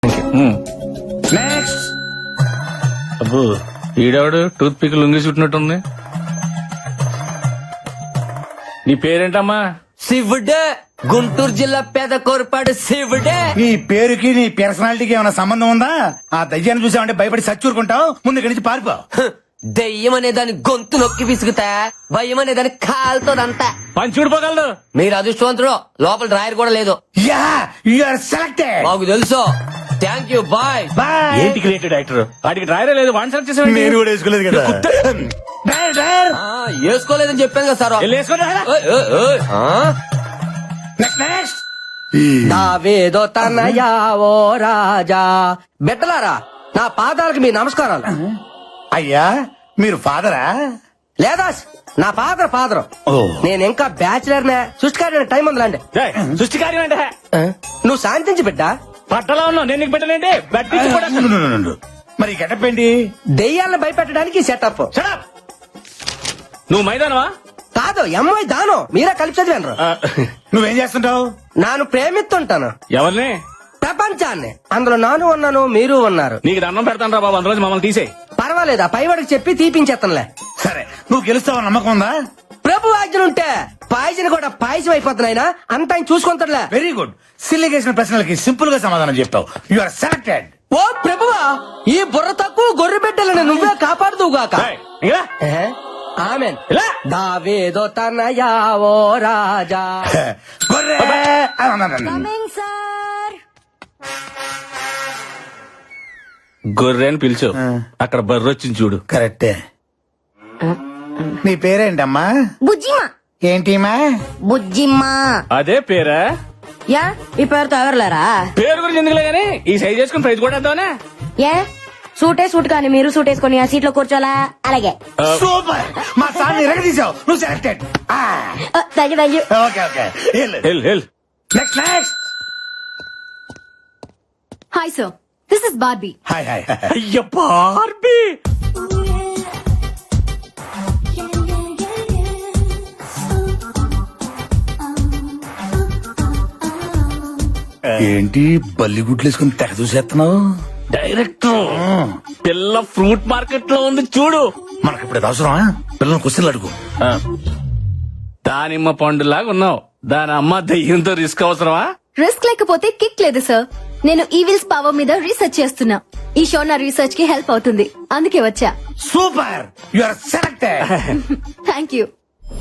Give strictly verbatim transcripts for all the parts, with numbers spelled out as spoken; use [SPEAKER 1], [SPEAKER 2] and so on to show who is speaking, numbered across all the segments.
[SPEAKER 1] Next.
[SPEAKER 2] అబ్బో ఈడవాడు tooth pick లొంగి చుట్టినట్టుంది. నీ పేరేంటమ్మా?
[SPEAKER 3] శివుడే, గుంటూరు జిల్లా పేద కోరపాడు శివుడే.
[SPEAKER 1] నీ పేరుకి నీ పర్సనాలిటీకి ఏమైనా సంబంధం ఉందా? ఆ దయ్యాన్ని చూసామంటే భయపడి సచ్చూరుకుంటావు. ముందు ఇక్కడి నుంచి పారిపో.
[SPEAKER 3] దెయ్యం అనే దాని గొంతు నొక్కి విసుగుతా, భయం అనే దాని కాలుతోదంతా.
[SPEAKER 2] పని చూడిపోగలదు.
[SPEAKER 3] మీరు అదృష్టవంతుడు, లోపల డ్రాయర్ కూడా లేదు.
[SPEAKER 1] Yeah you are selected.
[SPEAKER 3] మాకు తెలుసు. Thank you, bye.
[SPEAKER 1] బాయ్.
[SPEAKER 2] ఏంటి క్రియేటివ్ డైరెక్టర్? వాడికి డ్రైవరే లేదు, వన్ సెలెక్ట్ చేసేవాడి.
[SPEAKER 1] నేను కూడా వేసుకోలేదు కదా. Driver, driver.
[SPEAKER 3] ఆ, వేసుకోలేదని చెప్పాను కదా సార్.
[SPEAKER 2] వెళ్ళి వేసుకోండి.
[SPEAKER 3] ఓయ్, ఓయ్, ఓయ్. ఆ?
[SPEAKER 1] Next next.
[SPEAKER 3] దావేదో తనయా ఓ రాజా. బిడ్డలారా, నా పాదాలకు మీ నమస్కారాలు.
[SPEAKER 1] అయ్యా మీరు ఫాదరా?
[SPEAKER 3] లేదా నా ఫాదర్ ఫాదర్.
[SPEAKER 1] ఓ.
[SPEAKER 3] నేను ఇంకా బ్యాచులర్ నే. సృష్టికారి టైం ఉందిలాండి.
[SPEAKER 2] ఏయ్, సృష్టి కార్యం అంటే
[SPEAKER 3] నువ్వు శాంతించి బిడ్డ.
[SPEAKER 2] పట్టలో ఉన్నావు, నేను నీకు పెట్టలేంటి? బట్టి కూడా
[SPEAKER 1] నుండు, నుండు, నుండు. మరి గెటప్ ఏంటి?
[SPEAKER 3] దెయ్యాలను భయపెట్టడానికి సెటప్.
[SPEAKER 2] Shut up. నువ్వు మైదానవా?
[SPEAKER 3] కాదు, ఎంఐ దాను. మీరే కలిపి చదివాను.
[SPEAKER 2] ఆ,
[SPEAKER 1] నువ్వేం చేస్తుంటావు?
[SPEAKER 3] నాను ప్రేమిస్తుంటాను
[SPEAKER 2] ఎవరిని?
[SPEAKER 3] ప్రపంచాన్ని. అందులో నాను ఉన్నాను, మీరు ఉన్నారు.
[SPEAKER 2] నీకు దండం పెడతాను రా బాబు, అందులో మమ్మల్ని తీసేయ్.
[SPEAKER 3] పర్వాలేదు, ఆ పైవాడికి చెప్పి తీపించేస్తానులే.
[SPEAKER 1] సరే నువ్వు గెలుస్తావని నమ్మకం ఉందా?
[SPEAKER 3] ప్రభు ఆజ్ఞలుంటే పాయసం కూడా పాయసం అయిపోతున్నాయినా అంత ఆయన చూసుకుంటాడులే.
[SPEAKER 1] Very good. సిల్లిగేసిన ప్రశ్నలకి సింపుల్ గా సమాధానం చెప్పావు. You are selected.
[SPEAKER 3] ఓ ప్రభువా, ఈ బుర్ర తక్కువ గొర్రె బిడ్డలను నువ్వే కాపాడుదువుగాక.
[SPEAKER 2] ఏయ్, ఇంకా రా.
[SPEAKER 3] ఆమెన్.
[SPEAKER 2] ఇలా.
[SPEAKER 3] దావేదో తనయా ఓ రాజా.
[SPEAKER 1] గొర్రె.
[SPEAKER 2] గొర్రె అని పిలిచు. అక్కడ బర్రె వచ్చింది చూడు.
[SPEAKER 1] కరెక్టే. నీ పేరేంటమ్మా?
[SPEAKER 4] బుజ్జిమా.
[SPEAKER 1] ఏంటిమా?
[SPEAKER 4] బుజ్జిమ్మా.
[SPEAKER 2] అదే పేరా?
[SPEAKER 4] యా, ఈ పేరుతో ఎవరులేరా?
[SPEAKER 2] పేరు గురించి ఎందుకులే గానీ ఈ సైజ్ చేసుకుని ప్రైజ్ కూడా వేద్దామనే.
[SPEAKER 4] ఏ సూటే సూట్ కానీ మీరు సూట్ వేసుకొని ఆ సీట్ లో కూర్చోలా? అలాగే.
[SPEAKER 1] సూపర్. మా సార్ ఎరగదీసావు. నువ్వు selected.
[SPEAKER 4] Thank you thank you.
[SPEAKER 1] Okay okay.
[SPEAKER 2] Hell hell
[SPEAKER 1] next next.
[SPEAKER 5] Hi sir, this is Barbie.
[SPEAKER 1] Hi hi.
[SPEAKER 2] అయ్య బార్బీ.
[SPEAKER 1] ఏంటి బల్లిగుడ్లు వేసుకుని తెగ చూసేస్తున్నావు?
[SPEAKER 2] డైరెక్టర్, పిల్ల ఫ్రూట్ మార్కెట్ లో ఉంది చూడు.
[SPEAKER 1] మనకి ఇప్పుడు అవసరమా? పిల్లలు క్వశ్చన్లు అడుగు.
[SPEAKER 2] ఆ, దానిమ్మ పండులాగా ఉన్నావు. దాని అమ్మ దయ్యంతో రిస్క్ అవసరమా?
[SPEAKER 5] రిస్క్ లేకపోతే కిక్ లేదు సార్. నేను ఈవిల్స్ పవర్ మీద రీసెర్చ్ చేస్తున్నా. ఈ షో నా రీసెర్చ్ కి హెల్ప్ అవుతుంది, అందుకే వచ్చా.
[SPEAKER 1] Super. You are selected.
[SPEAKER 5] Thank you.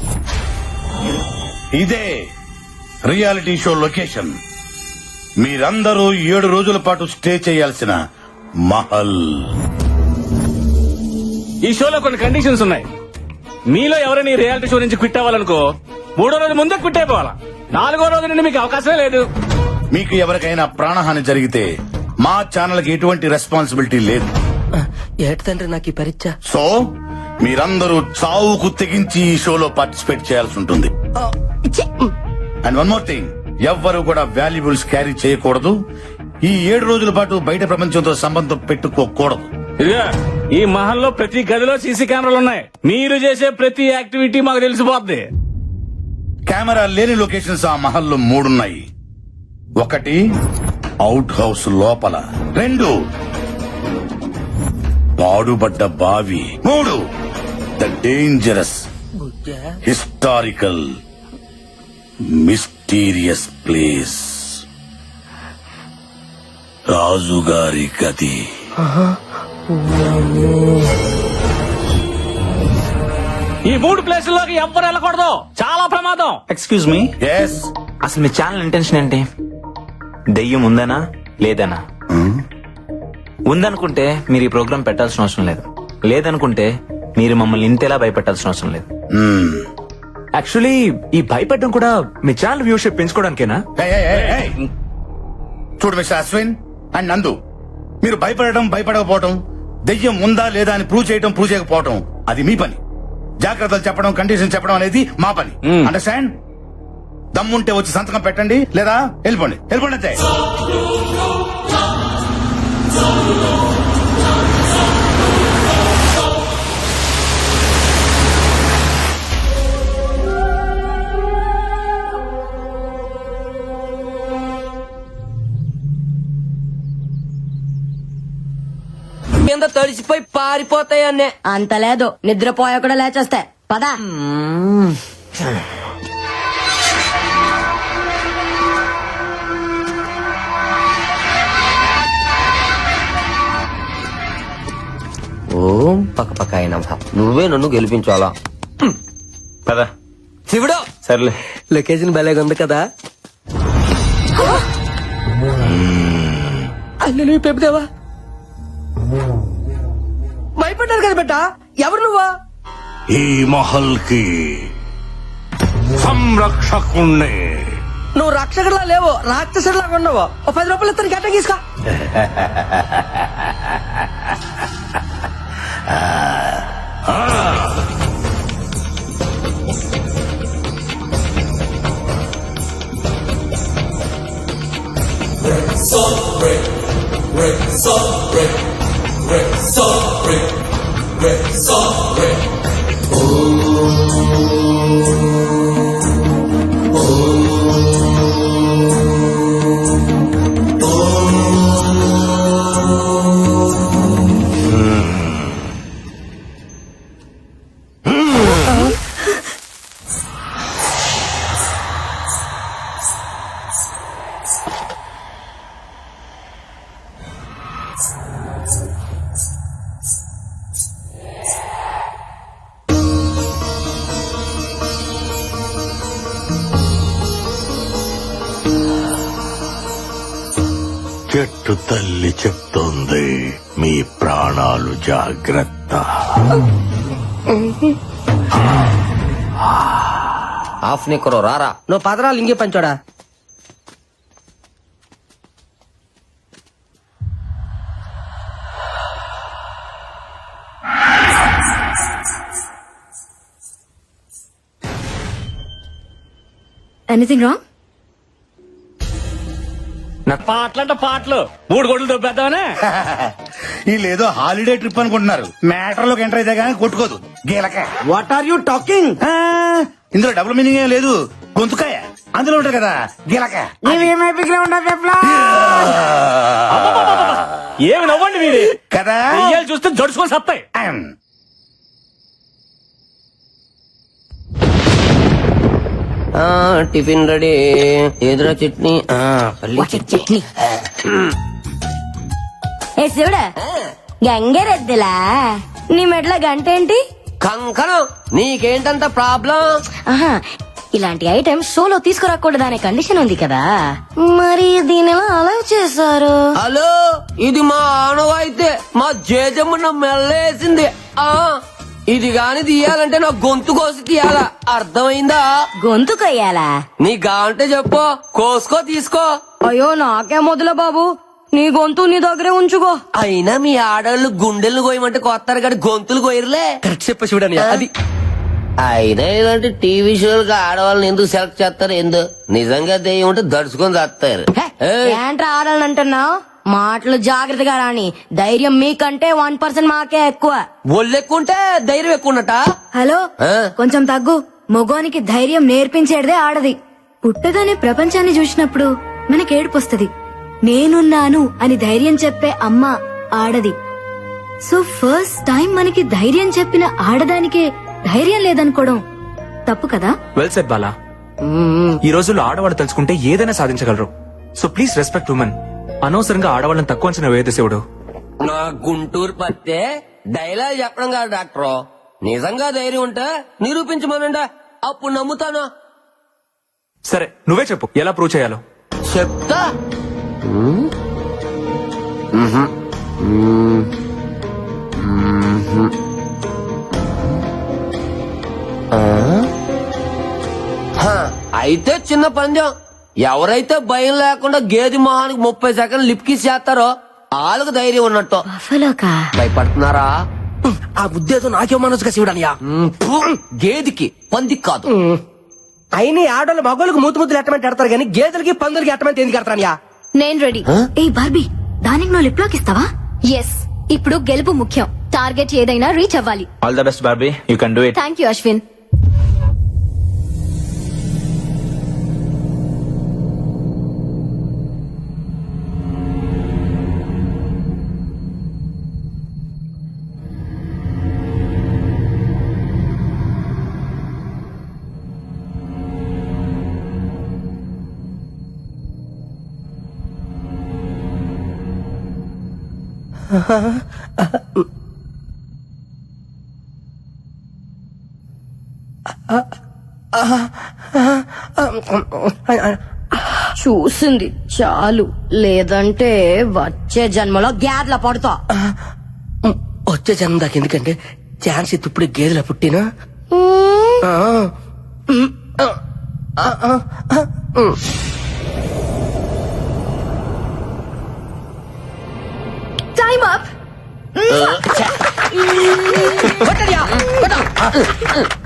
[SPEAKER 1] ఇదే రియాలిటీ షో లొకేషన్. మీరందరూ ఏడు రోజుల పాటు స్టే చేయాల్సిన మహల్.
[SPEAKER 2] ఈ షోలో కొన్ని కండిషన్స్ ఉన్నాయి. మీలో ఎవరైనా ఈ రియాలిటీ షో నుంచి క్విట్ అవ్వాలనుకో, మూడో రోజు ముందే క్విట్ అయిపోవాలా. నాలుగో రోజు నుండి మీకు అవకాశమే లేదు.
[SPEAKER 1] మీకు ఎవరికైనా ప్రాణహాని జరిగితే మా ఛానల్ కి ఎటువంటి రెస్పాన్సిబిలిటీ లేదు.
[SPEAKER 3] ఏటి తండ్రి నాకు ఈ పరీక్ష.
[SPEAKER 1] సో మీరందరూ చావుకు తెగించి ఈ షోలో పార్టిసిపేట్ చేయాల్సి ఉంటుంది. అండ్ వన్ మోర్ థింగ్, ఎవ్వరు కూడా వాల్యుబుల్స్ క్యారీ చేయకూడదు. ఈ ఏడు రోజుల పాటు బయట ప్రపంచంతో సంబంధం పెట్టుకోకూడదు.
[SPEAKER 2] ఇదిగా ఈ మహల్లో ప్రతి గదిలో సీసీ కెమెరాలు ఉన్నాయి. మీరు చేసే ప్రతి యాక్టివిటీ మాకు తెలిసిపోద్ది.
[SPEAKER 1] కెమెరా లేని లొకేషన్స్ ఆ మహల్లో మూడున్నాయి. ఒకటి అవుట్ హౌస్ లోపల, రెండు పాడుబడ్డ బావి, మూడు the dangerous historical mysterious place రాజుగారి గది.
[SPEAKER 2] ఈ మూడు ప్లేసుల్లోకి ఎవ్వరు వెళ్ళకూడదు, చాలా ప్రమాదం.
[SPEAKER 6] Excuse me,
[SPEAKER 1] yes.
[SPEAKER 6] అసలు మీ ఛానల్ ఇంటెన్షన్ ఏంటి? దెయ్యం ఉందనా లేదనా? ఉందనుకుంటే మీరు ఈ ప్రోగ్రామ్ పెట్టాల్సిన అవసరం లేదు. లేదనుకుంటే మీరు మమ్మల్ని ఇంతేలా భయపెట్టాల్సిన అవసరం లేదు.
[SPEAKER 7] యాక్చువల్లీ ఈ భయపెట్టడం కూడా మీ ఛానల్ వ్యూషిప్ పెంచుకోవడానికేనా?
[SPEAKER 1] చూడు మిస్టర్ అశ్విన్ అండ్ నందు, మీరు భయపడటం భయపడకపోవటం, దెయ్యం ఉందా లేదా అని ప్రూవ్ చేయటం ప్రూవ్ చేయకపోవటం అది మీ పని. జాగ్రత్తలు చెప్పడం, కండిషన్ చెప్పడం అనేది మా పని. అండర్స్టాండ్? దమ్ముంటే వచ్చి సంతకం పెట్టండి, లేదా వెళ్ళిపోండి. వెళ్ళిపోండి అంతే.
[SPEAKER 3] కింద తడిసిపోయి పారిపోతాయి అన్నే.
[SPEAKER 4] అంత లేదు నిద్రపోయా కూడా లేచేస్తే పదా.
[SPEAKER 3] ఓం పక్క పక్క అయినా నువ్వే నన్ను గెలిపించాలా.
[SPEAKER 6] పదా
[SPEAKER 3] శివుడు
[SPEAKER 6] సర్లే.
[SPEAKER 3] లొకేషన్ భలేగా ఉంది కదా. అల్లు పెప్పుదేవా భయపడ్డారు కదా బెట్ట. ఎవరు నువ్వా?
[SPEAKER 8] ఈ మహల్ కి సంరక్షకుణ్ణి.
[SPEAKER 3] నువ్వు రక్షకుడిలా లేవు, రాక్షసుడిలా ఉన్నావు. ఓ పది రూపాయలు ఇస్తాను గట్ట తీసుకో.
[SPEAKER 8] చెట్టు తల్లి చెప్తోంది మీ ప్రాణాలు జాగ్రత్త.
[SPEAKER 3] ఆఫ్ నీకరో రారా. నువ్వు పదరాలు ఇంకే పంచోడా.
[SPEAKER 5] Anything wrong?
[SPEAKER 2] పాటలంట పాటలు మూడు గోడలు దొబ్బేద్దామనే.
[SPEAKER 1] వీళ్ళేదో హాలిడే ట్రిప్ అనుకుంటున్నారు. మ్యాటర్ లోకి ఎంటర్ అయితే కానీ కొట్టుకోదు గీలక.
[SPEAKER 3] What are you talking?
[SPEAKER 1] ఇందులో డబుల్ మీనింగ్ ఏం లేదు. గొంతుకాయ అందులో ఉంటారు కదా గీలక.
[SPEAKER 2] ఏమి నవ్వండి మీరు
[SPEAKER 1] కదా
[SPEAKER 2] దెయ్యాలు చూస్తే జడుచుకొని సత్తాయి.
[SPEAKER 3] Tiffin ready. ఎదురా చట్నీ. పల్లి
[SPEAKER 4] చట్నీ ఏ శివుడా గంగరెద్దులా నీ మెట్ల గంట ఏంటి?
[SPEAKER 3] కంకణం. నీకేంటంత ప్రాబ్లం?
[SPEAKER 4] ఆహా ఇలాంటి ఐటమ్ షోలో తీసుకురాకూడదు అనే కండిషన్ ఉంది కదా, మరి దీని ఎలా అలౌ చేశారు?
[SPEAKER 3] హలో, ఇది మా ఆనవాయితే. మా జేజమ్మ మెల్లేసింది. ఆ ఇది గాని తీయాలంటే నా గొంతు కోసి తీయాలా, అర్థమైందా?
[SPEAKER 4] గొంతు కొయ్యాలా?
[SPEAKER 3] నీ గాంటే చెప్పు, కోసుకో తీసుకో.
[SPEAKER 4] అయ్యో నాకే మొదల బాబు, నీ గొంతు నీ దగ్గరే ఉంచుకో.
[SPEAKER 3] అయినా మీ ఆడవాళ్ళు గుండెలు కోయమంటే కొత్తారు కానీ గొంతులు కోయరులే. కరెక్ట్ చెప్ప చూడని అది. అయినా ఇలాంటి టీవీ షోలకు ఆడవాళ్ళని ఎందుకు సెలెక్ట్ చేస్తారు? ఎందు నిజంగా దెయ్యం ఉంటే దడుచుకొని చేస్తారు.
[SPEAKER 4] ఏంట్రా ఆడాలని అంటున్నావు? మాటలు జాగ్రత్తగా రాని. ధైర్యం మీకంటే వన్ పర్సెంట్ మాకే ఎక్కువ.
[SPEAKER 3] ఒళ్ళు ఎక్కువ ఉంటే ధైర్యం ఎక్కువ ఉన్నట.
[SPEAKER 5] హలో
[SPEAKER 3] ఆ?
[SPEAKER 5] కొంచెం తగ్గు. మగోనికి ధైర్యం నేర్పించేదే ఆడది. పుట్టగానే ప్రపంచాన్ని చూసినప్పుడు మనకి ఏడుపొస్తది. నేనున్నాను అని ధైర్యం చెప్పే అమ్మ ఆడది. సో ఫస్ట్ టైం మనకి ధైర్యం చెప్పిన ఆడదానికే ధైర్యం లేదనుకోవడం తప్పు కదా?
[SPEAKER 7] Well said Bala. ఈ రోజుల్లో ఆడవాళ్ళు తెలుసుకుంటే ఏదైనా సాధించగలరు. So please respect women. అనవసరంగా ఆడవాళ్ళని తక్కువ అంచనా వేయదు శివుడు.
[SPEAKER 3] నా గుంటూరు పత్తే డైలాగ్ చెప్పడం కాదు డాక్టర్. నిజంగా ధైర్యం ఉంటే నిరూపించమనండి, అప్పుడు నమ్ముతాను.
[SPEAKER 7] సరే నువ్వే చెప్పు ఎలా ప్రూవ్ చేయాలో.
[SPEAKER 3] చెప్తా. అయితే చిన్న పందెం. ఎవరైతే భయం లేకుండా గేది మొహానికి ముప్పై సెకండ్లు లిప్కిస్ చేస్తారో వాళ్ళకు ధైర్యం ఉన్నట్టు.
[SPEAKER 5] బఫలోకా?
[SPEAKER 3] భయపడుతున్నారా? ఆ ఉద్దేశం నాకే మనసుగా శివుడనియా. గేదికి పందికి కాదు.
[SPEAKER 9] అయినా ఆడోళ్ళు మగోళ్ళకి మూతు ముద్దులు ఎట్టమంటే ఎడతారు కానీ గేదెలకి పందులకి ఎట్టమంటే ఎందుకు ఎడతానియా?
[SPEAKER 5] నేను రెడీ. ఏ బార్బీ, దానికి నువ్వు లిప్ లాక్ ఇస్తావా? ఎస్. ఇప్పుడు గెలుపు ముఖ్యం. టార్గెట్ ఏదైనా రీచ్ అవ్వాలి.
[SPEAKER 6] All the best Barbie, you can do it.
[SPEAKER 5] Thank you Ashwin.
[SPEAKER 4] చూసింది చాలు, లేదంటే వచ్చే జన్మలో గ్యాడ్ల పడుతా.
[SPEAKER 9] వచ్చే జన్మ దాకా ఎందుకంటే ఛాన్స్ ఇತ್ತು ఇప్పుడు గేదెల పుట్టినా
[SPEAKER 5] టైమ్ అప్.